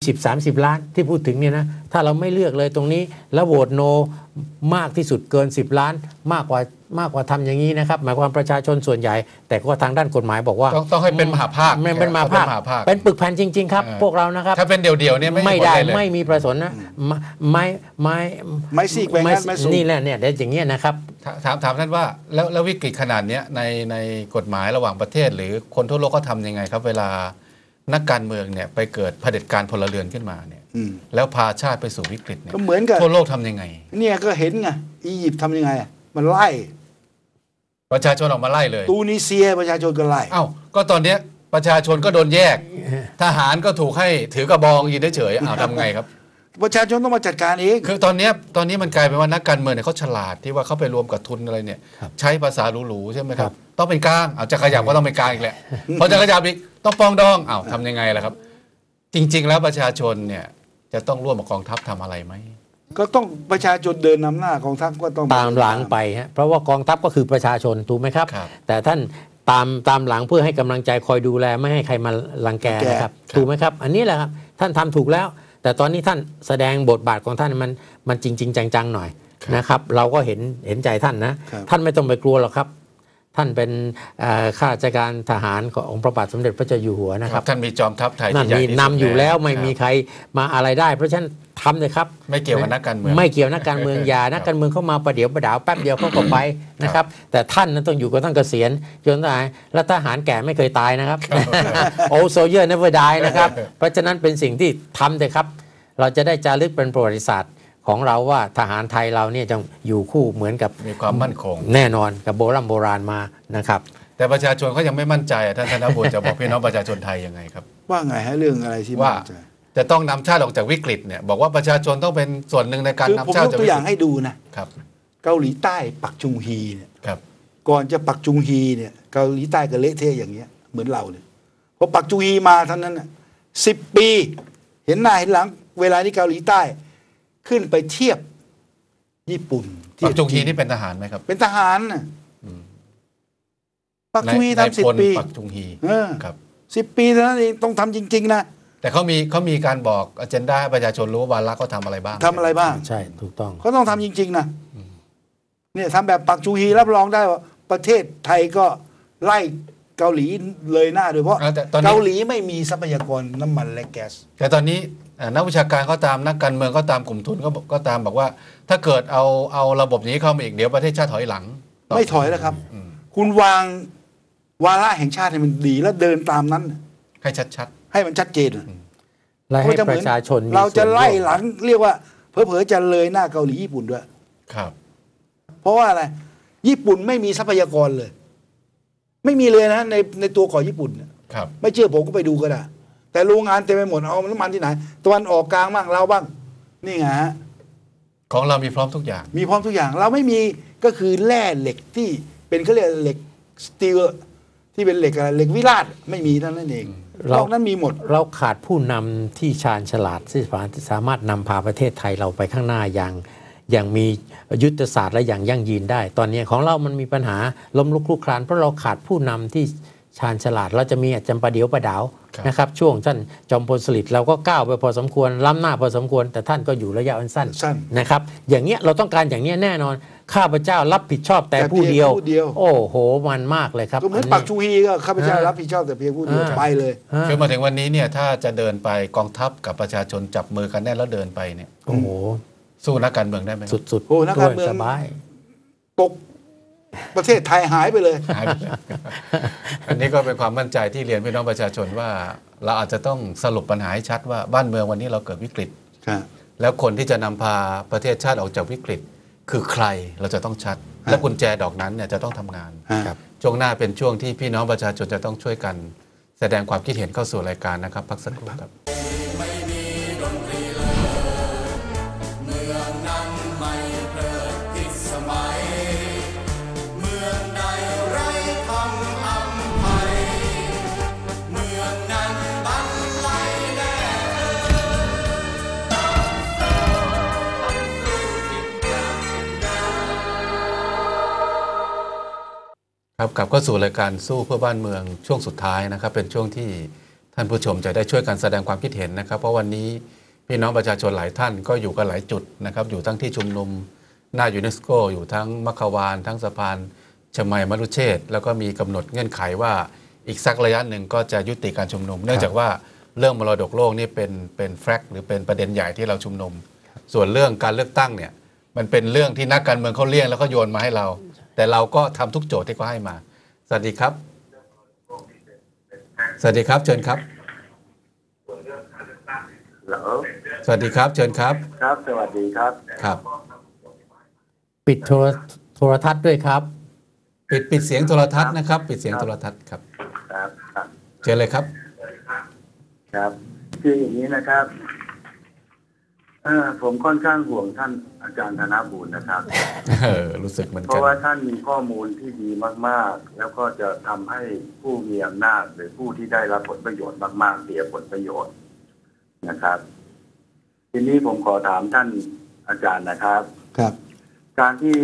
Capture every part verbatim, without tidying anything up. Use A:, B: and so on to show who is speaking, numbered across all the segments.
A: สิบ สามสิบล้านที่พูดถึงเนี่ยนะถ้าเราไม่เลือกเลยตรงนี้แล้วโหวตโนมากที่สุดเกินสิบล้านมากกว่ามากกว่าทำอย่างนี้นะครับหมายความประชาชนส่วนใหญ่แต่ก็ทางด้านกฎหมายบอกว่า
B: ต้องต้องให้เป็นมหาภาค
A: ไม่เป็นมหาภาคเป็นปึกแผ่นจริงๆครับพวกเรานะครับ
B: ถ้าเป็นเดี่ยวๆเนี่ย
A: ไม่ได้ไม่มีประสนนะไม่ไม่
C: ไม่ซีกแบ่งกันไม่สูง
A: นี่แหละเนี่ยเดี๋ยวอย่างเงี้ยนะครับ
B: ถามถามท่านว่าแล้วแล้ววิกฤตขนาดนี้ในในกฎหมายระหว่างประเทศหรือคนทั่วโลกก็ทำยังไงครับเวลานักการเมืองเนี่ยไปเกิดเผด็จการพลเรือนขึ้นมาเนี่ยแล้วพาชาติไปสู่วิกฤตเนี่ย
C: ก็เหมือนกับ
B: ทั่วโลกทำยังไง
C: เนี่ยก็เห็นไงอียิปต์ทำยังไงมันไล่
B: ประชาชนออกมาไล่เลย
C: ตูนิเซียประชาชนก็ไล่
B: เอ้าก็ตอนเนี้ยประชาชนก็โดนแยกทหารก็ถูกให้ถือกระบองยืนเฉยๆอ้าวทำไงครับ
C: ประชาชนต้องมาจัดการเอง
B: คือตอนนี้ตอนนี้มันกลายเป็นว่านักการเมืองเนี่ยเขาฉลาดที่ว่าเขาไปรวมกับทุนอะไรเนี่ยใช้ภาษาหรูๆใช่ไหมครับต้องเป็นกลางเอาจะขยับก็ต้องเป็นกลางอีกแหละพอจะขยับอีกต้องปองดองอ้าวทำยังไงล่ะครับจริงๆแล้วประชาชนเนี่ยจะต้องร่วมกับกองทัพทำอะไรไหม
C: ก็ต้องประชาชนเดินนำหน้ากองทัพก็ต้อง
A: ตามหลังไปฮะเพราะว่ากองทัพก็คือประชาชนถูกไหมครับแต่ท่านตามตามหลังเพื่อให้กำลังใจคอยดูแลไม่ให้ใครมารังแกนะครับถูกไหมครับอันนี้แหละครับท่านทำถูกแล้วแต่ตอนนี้ท่านแสดงบทบาทของท่านมันมันจริงๆจังๆหน่อยนะครับเราก็เห็นเห็นใจท่านนะท่านไม่ต้องไปกลัวหรอกครับท่านเป็นข้าราชการทหารขององค์พระบาทสมเด็จพระเจ้าอยู่หัวนะครับ
B: ท่านมีจอมทัพไทย
A: ที่ใหญ่ที่สุดนำอยู่แล้วไม่มีใครมาอะไรได้เพราะฉะนั้นทำเลยครับ
B: ไม่เกี่ยวกับนักการเมือง
A: ไม่เกี่ยวนักการเมืองอย่านักการเมืองเข้ามาประเดี๋ยวประดาวแป๊บเดียวเขาก็ไปนะครับแต่ท่านนั้นต้องอยู่กับท่านเกษียณจนตายแล้วทหารแก่ไม่เคยตายนะครับโอ้โซเยอร์ never die นะครับเพราะฉะนั้นเป็นสิ่งที่ทำเลยครับเราจะได้จารึกเป็นประวัติศาสตร์ของเราว่าทหารไทยเราเนี่ยจะอยู่คู่เหมือนกับ
B: มีความมั่นคง
A: แน่นอนกับโบราณโบราณมานะครับ
B: แต่ประชาชนเขายังไม่มั่นใจท่านธนบุญจะบอกพี่น้องประชาชนไทยยังไงครับ
C: ว่าไงฮะเรื่องอะไรที่
B: ว่าจะต้องนำชาติออกจากวิกฤตเนี่ยบอกว่าประชาชนต้องเป็นส่วนหนึ่งในการนำชาติ
C: จากวิกฤตผมยกตัวอย่างให้ดูนะครับเกาหลีใต้ปักจุงฮีเนี่ยก่อนจะปักจุงฮีเนี่ยเกาหลีใต้ก็เละเทะอย่างเงี้ยเหมือนเราเนี่ยพอปักจุงฮีมาเท่านั้นน่ะสิบปีเห็นหน้าเห็นหลังเวลาที่เกาหลีใต้ขึ้นไปเทียบญี่ปุ่น
B: ปักจุงฮีนี่เป็นทหารไหมครับ
C: เป็นทหารน่ะปักจุงฮีทำสิบปี
B: ปักจุงฮี
C: ครับสิบปีเท่านั้นเองต้องทำจริงๆนะ
B: แต่เขามีเขามีการบอกอเจนดาให้ประชาชนรู้ว่าวาระเขาทำอะไรบ้าง
C: ทำอะไรบ้าง
A: ใช่ถูกต้อง
C: เขาต้องทำจริงๆนะเนี่ยทำแบบปักจุงฮีรับรองได้ว่าประเทศไทยก็ไล่เกาหลีเลยหน้าโดยเพราะเกาหลีไม่มีทรัพยากรน้ำมันและแก๊ส
B: แต่ตอนนี้นักวิชาการก็ตามนักการเมืองก็ตามกลุ่มทุนก็ก็ตามบอกว่าถ้าเกิดเอาเอาระบบนี้เข้ามาอีกเดี๋ยวประเทศชาติถอยหลัง
C: ไม่ถอยแล้วครับคุณวางวาระแห่งชาติให้มันดีแล้วเดินตามนั้น
B: ให้ชัด
C: ๆให้มันชัดเจน
A: และให้ประชาชน
C: เราจะไล่หลังเรียกว่าเผลอๆจะเลยหน้าเกาหลีญี่ปุ่นด้วย
B: ครับ
C: เพราะว่าอะไรญี่ปุ่นไม่มีทรัพยากรเลยไม่มีเลยนะในในตัวของญี่ปุ่น
B: ครับ
C: ไม่เชื่อผมก็ไปดูก็ได้แต่โรงงานเต็มไปหมดเอาน้ำมันที่ไหนตะวันออกกลางบ้างเราบ้างนี่ไงฮะ
B: ของเรามีพร้อมทุกอย่าง
C: มีพร้อมทุกอย่างเราไม่มีก็คือแร่เหล็กที่เป็นเขาเรียกเหล็กสตีลที่เป็นเหล็กอะไรเหล็กวิราชไม่มีเท่านั้นเองเรานั้นมีหมด
A: เราขาดผู้นำที่ชาญฉลาดที่สามารถนำพาประเทศไทยเราไปข้างหน้าอย่างอย่างมียุทธศาสตร์และอย่างยั่งยืนได้ตอนนี้ของเรามันมีปัญหาล้มลุกคลุกคลานเพราะเราขาดผู้นำที่ชาญฉลาดเราจะมีจำปาเดียวประดาวนะครับช่วงท่านจอมพลสฤษดิ์เราก็ก้าวไปพอสมควรล้ำหน้าพอสมควรแต่ท่านก็อยู่ระยะสั้นนะครับอย่างเงี้ยเราต้องการอย่างเงี้ยแน่นอนข้าพเจ้ารับผิดชอบแต่ผู้เดียวโอ้โหมันมากเลยครับ
C: ก็เหมือนปักจุงฮีก็ข้าพเจ้ารับผิดชอบแต่เพียงผู้เดียวไปเลย
B: คือมาถึงวันนี้เนี่ยถ้าจะเดินไปกองทัพกับประชาชนจับมือกันแน่แล้วเดินไปเนี่ย
A: โอ้โห
B: สู้นักการเมืองได้ไหม
A: สุดๆ
C: โอ้นักการเมือง
A: สบาย
C: ตกประเทศไทยหายไปเลย
B: อันนี้ก็เป็นความมั่นใจที่เรียนพี่น้องประชาชนว่าเราอาจจะต้องสรุปปัญหาให้ชัดว่าบ้านเมืองวันนี้เราเกิดวิกฤตแล้วคนที่จะนำพาประเทศชาติออกจากวิกฤตคือใครเราจะต้องชัดและกุญแจดอกนั้นเนี่ยจะต้องทำงานช่วงหน้าเป็นช่วงที่พี่น้องประชาชนจะต้องช่วยกันแสดงความคิดเห็นเข้าสู่รายการนะครับพักสักครู่ครับครับกลับเข้าสู่รายการสู้เพื่อบ้านเมืองช่วงสุดท้ายนะครับเป็นช่วงที่ท่านผู้ชมจะได้ช่วยกันแสดงความคิดเห็นนะครับเพราะวันนี้พี่น้องประชาชนหลายท่านก็อยู่กันหลายจุดนะครับอยู่ทั้งที่ชุมนุมหน้ายูเนสโกอยู่ทั้งมัคควานทั้งสะพานชมัยมรุเชษฐ์แล้วก็มีกำหนดเงื่อนไขว่าอีกสักระยะหนึ่งก็จะยุติการชุมนุมเนื่องจากว่าเรื่องมรดกโลกนี่เป็นเป็นแฟกต์หรือเป็นประเด็นใหญ่ที่เราชุมนุมส่วนเรื่องการเลือกตั้งเนี่ยมันเป็นเรื่องที่นักการเมืองเขาเลี่ยงแล้วก็โยนมาให้เราแต่เราก็ทำทุกโจทย์ที่เขาให้มาสวัสดีครับสวัสดีครับเชิญครับสวัสดีครับเชิญครับ
D: ครับสวัสดีครับ
B: ครับ
A: ปิดโทรโทรทัศน์ด้วยครับ
B: ปิดปิดเสียงโทรทัศน์นะครับปิดเสียงโทรทัศน์ครับ
D: ครับครับ
B: เชิญเลยครับ
D: ครับคืออย่างนี้นะครับเออผมค่อนข้างห่วงท่านอาจารย์ธนบูรณ์นะครับ
B: เออรู้สึกเหมือนกัน
D: เพราะว่าท่านมีข้อมูลที่ดีมากๆแล้วก็จะทำให้ผู้มีอำนาจหรือผู้ที่ได้รับผลประโยชน์มากๆเสียผลประโยชน์นะครับทีนี้ผมขอถามท่านอาจารย์นะครับ
C: ครับ
D: การที่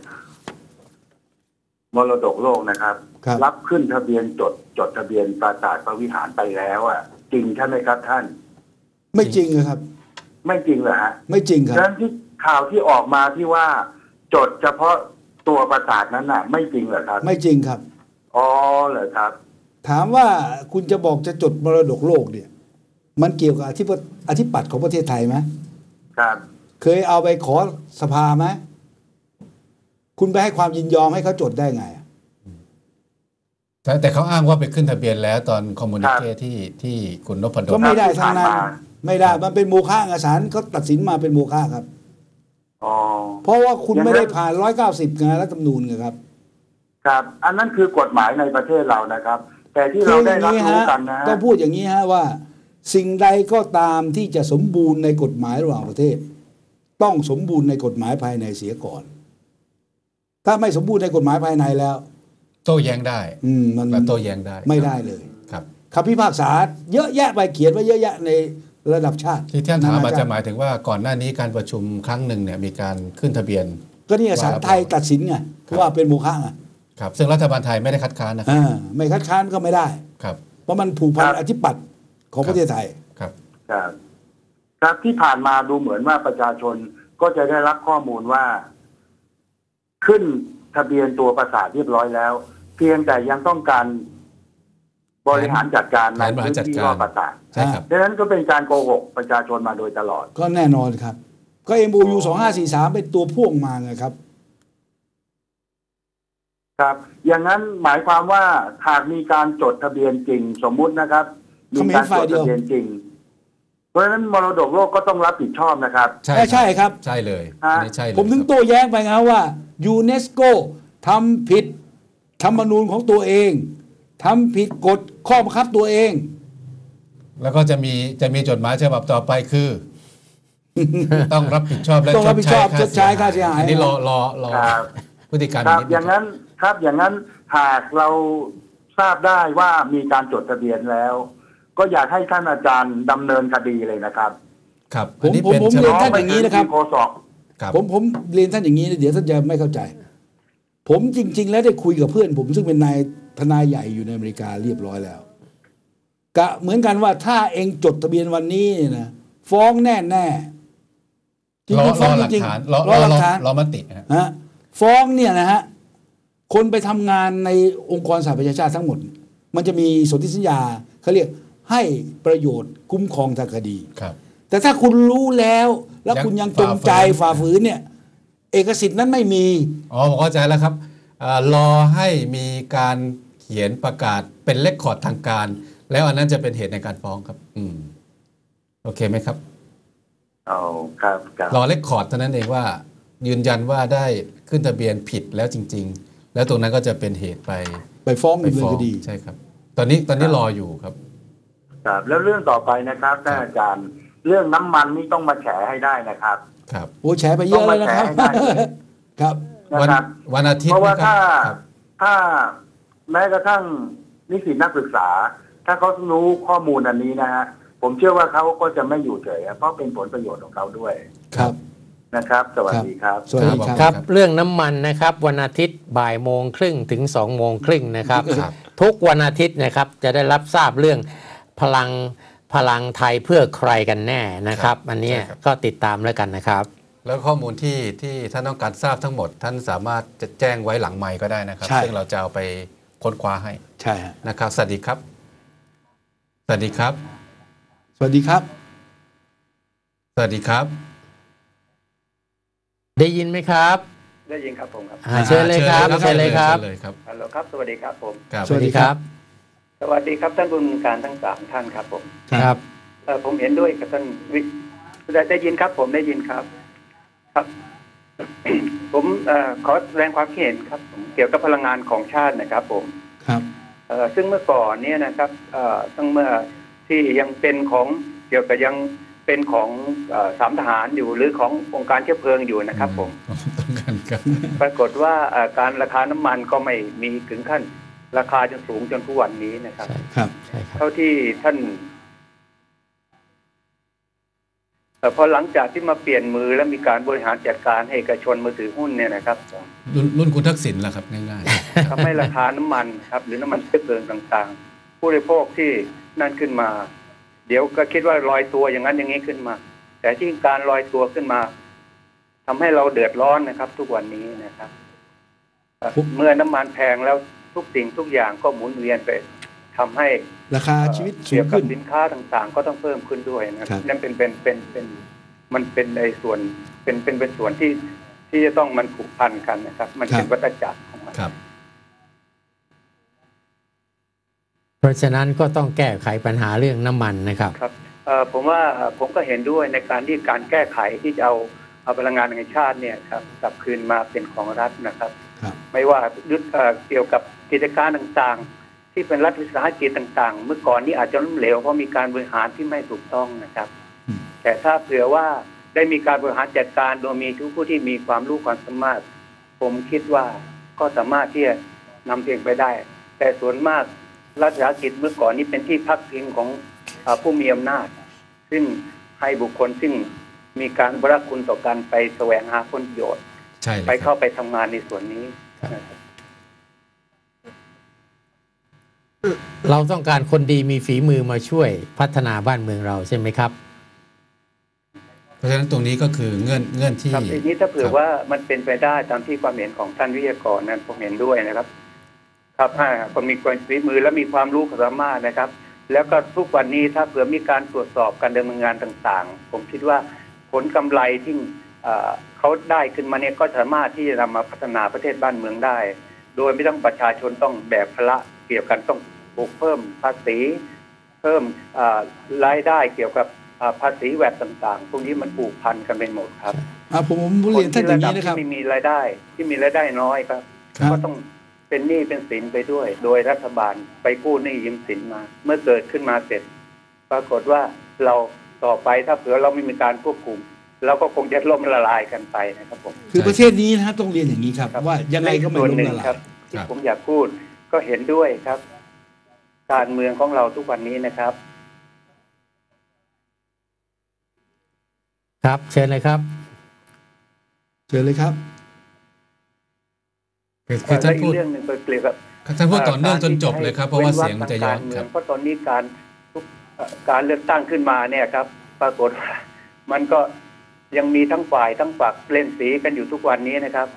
D: มรดกโลกนะครับรับขึ้นทะเบียนจดจดทะเบียนปราสาทพระวิหารไปแล้วอ่ะจริงใช่ไหมครับท่าน
C: ไม่จริงครับ
D: ไม่จริงเหรอฮะ
C: ไม่จริงครับ
D: ฉะนั้นที่ข่าวที่ออกมาที่ว่าจดเฉพาะตัวปราสาทนั้นน่ะไม่จริงเหรอครับ
C: ไม่จริงครับ
D: อ๋อเหรอครับ
C: ถามว่าคุณจะบอกจะจดมรดกโลกเนี่ยมันเกี่ยวกับอธิปอธิปัตย์ของประเทศไทยไหม
D: ครับ
C: เคยเอาไปขอสภาไหมคุณไปให้ความยินยอมให้เขาจดได้ไง
B: แต่แต่เขาอ้างว่าไปขึ้นทะเบียนแล้วตอนคอมมูนิเคที่ที่คุณนพดล
C: ก็ไม่ได้ทางนั้นไม่ได้มันเป็นโมฆะศาลเขาตัดสินมาเป็นโมฆะครับ
D: อ๋อ
C: เพราะว่าคุณไม่ได้ผ่านร้อยเก้าสิบไงรัฐธรรมนูญไงครับ
D: ครับอันนั้นคือกฎหมายในประเทศเรานะครับแต่ที่เราได้รับรู้กันนะ
C: ต้องพูดอย่างนี้ฮะว่าสิ่งใดก็ตามที่จะสมบูรณ์ในกฎหมายระหว่างประเทศต้องสมบูรณ์ในกฎหมายภายในเสียก่อนถ้าไม่สมบูรณ์ในกฎหมายภายในแล้ว
B: โต้แย้งได้
C: อืมมัน
B: โต้แย้งได้
C: ไม่ได้เลย
B: ครับ
C: คำพิพากษาเยอะแยะไปเขียนไว้เยอะแยะในระดับชาติ
B: ที่ท่านถามอาจจะหมายถึงว่าก่อนหน้านี้การประชุมครั้งหนึ่งเนี่ยมีการขึ้นทะเบียน
C: ก็นี่ศาลไทยตัดสินไงว่าเป็นโมฆะไง
B: ครับซึ่งรัฐบาลไทยไม่ได้คัดค้านนะ
C: อ่าไม่คัดค้านก็ไม่ได้
B: ครับ
C: เพราะมันผูกพันอธิปัตย์ของประเทศไทย
B: ครับ
D: ครับครับที่ผ่านมาดูเหมือนว่าประชาชนก็จะได้รับข้อมูลว่าขึ้นทะเบียนตัวปราสาทเรียบร้อยแล้วเพียงแต่ยังต้องการบริหารจัดการในพื้นที่รอบปราสาท
B: ใช่ครับ
D: ดังนั้นก็เป็นการโกหกประชาชนมาโดยตลอด
C: ก็แน่นอนครับก็ เอ็ม โอ ยู สองห้าสี่สามเป็นตัวพ่วงมาไงครับ
D: ครับอย่างนั้นหมายความว่าหากมีการจดทะเบียนจริงสมมุตินะครับมีการจดทะเบียนจริงเพราะฉะนั้นมรดกโลกก็ต้องรับผิดชอบนะครับ
C: ใช่ใช่ครับ
B: ใช่เลยอันนี้ใช่เลย
C: ผมถึงโต้แย้งไปไงว่ายูเนสโกทำผิดธรรมนูญของตัวเองทำผิดกฎข้อบังคับตัวเอง
B: แล้วก็จะมีจะมีจดหมายฉบับต่อไปคือ ต้องรับผิดชอบและ
C: ชดใช้ค่าเสียหาย
B: อันนี้รอรอรอพฤติกรรม
D: ครับอย่างนั้นครับอย่างนั้นหากเราทราบได้ว่ามีการจดทะเบียนแล้วก็อยากให้ท่านอาจารย์ดำเนินคดีเลยนะครับ
B: ครับ
C: ผมผมผมเรียนท่านอย่างนี้นะครับ
D: โฆษก
C: ผมผมเรียนท่านอย่างนี้เดี๋ยวท่านจะไม่เข้าใจผมจริงๆแล้วได้คุยกับเพื่อนผมซึ่งเป็นนายทนายใหญ่อยู่ในอเมริกาเรียบร้อยแล้วกะเหมือนกันว่าถ้าเองจดทะเบียนวันนี้นะฟ้องแน่แน่
B: จริงๆฟ้องจริงๆรอหลักฐานรอมติ
C: ฮะฟ้องเนี่ยนะฮะคนไปทำงานในองค์กรสหประชาชาติทั้งหมดมันจะมีสนธิสัญญาเขาเรียกให้ประโยชน์คุ้มครองทางคดี
B: ครับ
C: แต่ถ้าคุณรู้แล้วแล้วคุณยังจงใจฝ่าฝืนเนี่ยเอกสิทธิ์นั้นไม่มี
B: อ๋อผมเข้าใจแล้วครับรอให้มีการเขียนประกาศเป็นเลคคอร์ดทางการแล้วอันนั้นจะเป็นเหตุในการฟ้องครับอืมโอเคไหมครับ
D: อ๋อครับ
B: รอเลคคอร์ดเท่านั้นเองว่ายืนยันว่าได้ขึ้นทะเบียนผิดแล้วจริงๆแล้วตรงนั้นก็จะเป็นเหตุไป
C: ไปฟ้องดำเนินคดี
B: ใช่ครับตอนนี้ตอนนี้รออยู่ครับ
D: ครับแล้วเรื่องต่อไปนะครับท่านอาจารย์เรื่องน้ำมันนี่ต้องมาแฉให้ได้นะครับ
B: ครับ
C: โอ้แฉไปเยอะเลยนะครับครับ
B: วันวันอาทิตย์
D: เพราะว่าถ้าถ้าแม้กระทั่งนิสิตนักศึกษาถ้าเขารู้ข้อมูลอันนี้นะฮะผมเชื่อว่าเขาก็จะไม่อยู่เฉยเพราะเป็นผลประโยชน์ของเขาด้วย
C: ครับ
D: นะครับสวัสดีครับ
C: สวัสดี
A: ครับเรื่องน้ำมันนะครับวันอาทิตย์บ่ายโมงครึ่งถึงสองโมงครึ่งนะครับทุกวันอาทิตย์นะครับจะได้รับทราบเรื่องพลังพลังไทยเพื่อใครกันแน่นะครับ อันนี้ก็ติดตามแล้วกันนะครับ
B: แล้วข้อมูลที่ที่ท่านต้องการทราบทั้งหมดท่านสามารถจะแจ้งไว้หลังไมค์ก็ได้นะครับซึ่งเราจะเอาไปค้นคว้าให้
C: ใช่
B: นะครับสวัสดีครับสวัสดีครับ
C: สวัสดีครับ
B: สวัสดีครับ
A: ได้ยินไหมครับ
E: ได้ยินครับผมครับ
A: เชิญเลยครับเชิญเลยครับ
E: ฮัลโหลครับสวัสดีครับผม
A: สวัสดีครับ
E: สวัสดีครับท่านผู้มีการทั้งสามท่านครับผม
A: ครับ
E: ผมเห็นด้วยกับท่านวิได้ได้ยินครับผมได้ยินครับครับผมขอแสดงความคิดเห็นครับเกี่ยวกับพลังงานของชาตินะครับผม
C: ครับ
E: ซึ่งเมื่อก่อนเนี่ยนะครับตั้งเมื่อที่ยังเป็นของเกี่ยวกับยังเป็นของสามทหารอยู่หรือขององค์การเชื้อเพลิงอยู่นะครับผมปรากฏว่าการราคาน้ำมันก็ไม่มีถึงขั้นราคาจนสูงจนทุกวันนี้นะครับ
C: ครับ
E: เท่าที่ท่านแต่พอหลังจากที่มาเปลี่ยนมือและมีการบริหารจัดการให้เอกชนมาถือหุ้นเนี่ยนะครับ
B: รุ่นคุณทักษิณแหละครับง่าย
E: ๆทำให้ราคาน้ำมันครับหรือน้ำมันเชื้อเพลิงต่างๆผู้บริโภคที่นั่นขึ้นมาเดี๋ยวก็คิดว่าลอยตัวอย่างนั้นอย่างนี้ขึ้นมาแต่ที่การลอยตัวขึ้นมาทำให้เราเดือดร้อนนะครับทุกวันนี้นะครับเมื่อน้ำมันแพงแล้วทุกสิ่งทุกอย่างก็หมุนเวียนไปทำให้
C: ราคาชีวิตสูงขึ้น
E: สินค้าต่างๆก็ต้องเพิ่มขึ้นด้วยนะครับนั่นเป็นเป็นเป็นเป็นมันเป็นในส่วนเป็นเป็นเป็นส่วนที่ที่จะต้องมันผูกพันกันนะครับมันเป็นวัฏจักรของมัน
A: เพราะฉะนั้นก็ต้องแก้ไขปัญหาเรื่องน้ำมันนะครับ
E: ครับผมว่าผมก็เห็นด้วยในการที่การแก้ไขที่จะเอาเอาพลังงานแห่งชาติเนี่ยครับกลับคืนมาเป็นของรัฐนะครับไม่ว่ายุทธเกี่ยวกับกิจการต่างๆที่เป็นรัฐวิสาหกิจต่างๆเมื่อก่อนนี้อาจจะล้มเหลวเพราะมีการบริหารที่ไม่ถูกต้องนะครับแต่ถ้าเผื่อว่าได้มีการบริหารจัดการโดยมีทุกผู้ที่มีความรู้ความสามารถผมคิดว่าก็สามารถที่จะนำเองไปได้แต่ส่วนมากรัฐวิสาหกิจเมื่อก่อนนี้เป็นที่พักพิงของผู้มีอำนาจซึ่งให้บุคคลซึ่งมีการบรักคุณต่อการไปแสวงหาผลประโยชน์ไปเข้าไปทำงานในส่วนนี้
A: เราต้องการคนดีมีฝีมือมาช่วยพัฒนาบ้านเมืองเราใช่ไหมครับ
B: เพราะฉะนั้นตรงนี้ก็คือเงื่อนเงื่อนที่
E: ครับทีนี้ถ้าเผื่อว่ามันเป็นไปได้ตามที่ความเห็นของท่านวิทยากรนั้นผมเห็นด้วยนะครับครับถ้าคนมีความฝีมือและมีความรู้ความสามารถนะครับแล้วก็ทุกวันนี้ถ้าเผื่อมีการตรวจสอบการดำเนินงานต่างๆผมคิดว่าผลกำไรที่เขาได้ขึ้นมาเนี่ยก็สามารถที่จะนำมาพัฒนาประเทศบ้านเมืองได้โดยไม่ต้องประชาชนต้องแบกภาระเกี่ยวกันต้องปลูกเพิ่มภาษีเพิ่มรายได้เกี่ยวกับภาษีแวดต่างๆพวกนี้มันผูกพันกันเป็นหมดครับ
C: ผมผมเรียนท่านอย่างนี้นะครับ
E: ที่มีรายได้ที่มีรายได้น้อยครับก็ต้องเป็นหนี้เป็นสินไปด้วยโดยรัฐบาลไปกู้หนี้ยืมสินมาเมื่อเกิดขึ้นมาเสร็จปรากฏว่าเราต่อไปถ้าเผื่อเราไม่มีการควบคุมเราก็คงจะล่มละลายกันไปนะครับผม
C: คือประเทศนี้นะต้องเรียนอย่างนี้ครับว่ายังไงก็ไม่ล่มละลาย
E: ที่ผมอยากพูดก็เห็นด้วยครับการเมืองของเราทุกวันนี้นะครับ
A: ครับเชิญเลยครับ
C: เชิญเลยครับ
B: คือท่านพูด
E: เรื่องหนึ่งเกี่ยวกับ
B: ท่านพูดต่อเนื่องจนจบเลยครับเพราะว่าเสียงมันจะย้อนครับ
E: เพราะตอนนี้การการเลือกตั้งขึ้นมาเนี่ยครับปรากฏว่ามันก็ยังมีทั้งฝ่ายทั้งฝักเล่นสีกันอยู่ทุกวันนี้นะครับ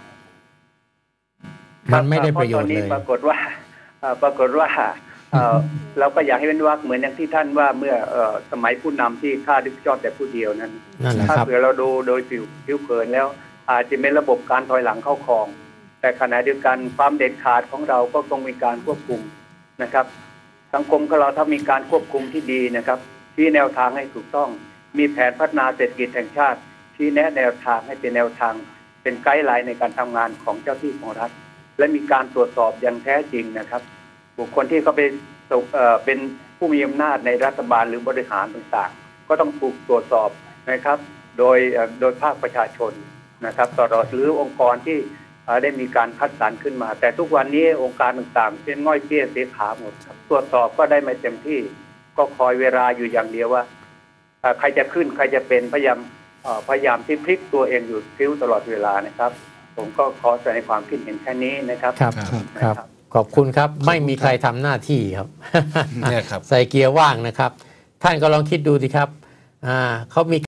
A: มันไม่ได้ประโยชน์เลย
E: ปรากฏว่าปรากฏว่าเราก็อยากให้เป็นวรรคเหมือนอย่างที่ท่านว่าเมื่อสมัยผู้นำที่ข้าดิบชอบแต่ผู้เดียวนั้นถ้าเผื่อเราดูโดยผิวผิวเผินแล้วอาจจะเป็นระบบการถอยหลังเข้าครองแต่ขณะเดียวกันความเด็ดขาดของเราก็ต้องมีการควบคุมนะครับสังคมของเราถ้ามีการควบคุมที่ดีนะครับชี้แนวทางให้ถูกต้องมีแผนพัฒนาเศรษฐกิจแห่งชาติชี้แนะแนวทางให้เป็นแนวทางเป็นไกด์ไลน์ในการทำงานของเจ้าที่ของรัฐและมีการตรวจสอบอย่างแท้จริงนะครับบุคคลที่เขาเป็นเป็นผู้มีอำนาจในรัฐบาลหรือบริหารต่างๆก็ต้องถูกตรวจสอบนะครับโดยโดยภาคประชาชนนะครับตลอดหรือองค์กรที่ได้มีการคัดสรรขึ้นมาแต่ทุกวันนี้องค์การต่างๆเป็นง่อยเปี้ยเสียขาหมดครับตรวจสอบก็ได้ไม่เต็มที่ก็คอยเวลาอยู่อย่างเดียวว่าใครจะขึ้นใครจะเป็นพยายามพยายามที่พลิกตัวเองอยู่พิ้วตลอดเวลานะครับผมก็ขอแสดงความคิดเห็นแค่นี้นะครับ
A: ครับครับขอบคุณครับไม่มีใครทำหน้าที่ครับ
B: เนี่ยครับ
A: ใส่เกียร์ว่างนะครับ ท่านก็ลองคิดดูสิครับอ่าเขามี